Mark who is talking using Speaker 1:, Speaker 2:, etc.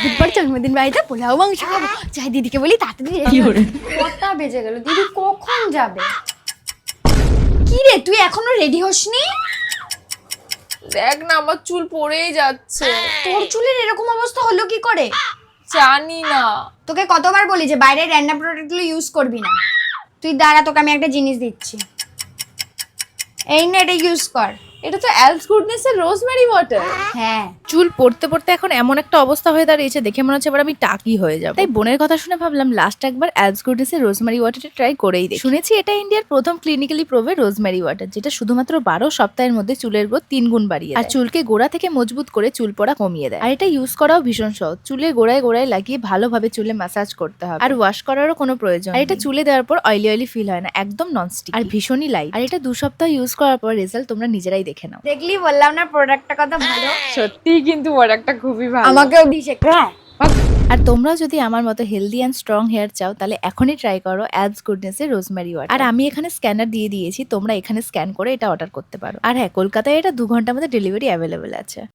Speaker 1: বুধবার জন্মদিন বাড়িতে পোলাও মাংস খাবো, যাই দিদিকে বলি তাড়াতাড়ি রেডি হয়ে। কটা বেজে গেল, দিদি কখন যাবে? কি রে তুই এখনো রেডি হসনি?
Speaker 2: দেখ না আমার চুল পড়েই যাচ্ছে।
Speaker 1: তোর চুলের এরকম অবস্থা হলো কি করে?
Speaker 2: জানি না।
Speaker 1: তোকে কতবার বলি যে বাইরের রান্না প্রোডাক্ট গুলো ইউজ করবি না। তুই দাঁড়া, তোকে আমি একটা জিনিস দিচ্ছি, এই না, এটা ইউজ কর।
Speaker 2: এটা তো অ্যালস গুডনেস এর রোজমেরি ওয়াটার।
Speaker 1: হ্যাঁ,
Speaker 3: চুল পড়তে পড়তে এখন এমন একটা অবস্থা হয়ে দাঁড়িয়েছে, দেখে মনে হচ্ছে এবার আমি টাকি হয়ে যাব। তাই বোনের কথা শুনে ভাবলাম লাস্ট একবার অ্যালস গুডনেসের রোজমেরি ওয়াটারটা ট্রাই করেই দেখি। শুনেছি এটা ইন্ডিয়ার প্রথম ক্লিনিক্যালি প্রুভেড রোজমেরি ওয়াটার, যেটা শুধুমাত্র 12 সপ্তাহের মধ্যে চুলের গ্রোথ 3 গুণ বাড়িয়ে আর চুলকে গোড়া থেকে মজবুত করে চুল পড়া কমিয়ে দেয়। আর এটা ইউজ করাও ভীষণ সহজ, চুলের গোড়ায় গোড়ায় লাগিয়ে ভালোভাবে চুলে ম্যাসাজ করতে হবে, আর ওয়াশ করারও কোনো প্রয়োজন নেই। আর এটা চুলে দেওয়ার পর অয়েলি অয়েলি ফিল হয় না, একদম ননস্টিক আর ভীষণই লাইট। আর এটা 2 সপ্তাহ ইউজ করার পর রেজাল্ট তোমরা নিজেরাই দেখে নাও।
Speaker 1: দেখলি বললাম না প্রোডাক্টটা কত ভালো।
Speaker 2: সত্যি কিন্তু প্রোডাক্টটা খুবই ভালো।
Speaker 1: আমাকেও দিস একটা।
Speaker 3: আর তোমরাও যদি আমার মতো হেলদি অ্যান্ড স্ট্রং হেয়ার চাও তাহলে এখনই ট্রাই করো অ্যালস গুডনেস এর রোজমেরি ওয়াটার। আর আমি এখানে স্ক্যানার দিয়ে দিয়েছি, তোমরা এখানে স্ক্যান করে এটা অর্ডার করতে পারো। আর হ্যাঁ, কলকাতায় এটা 2 ঘন্টার মধ্যে ডেলিভারি অ্যাভেলেবেল আছে।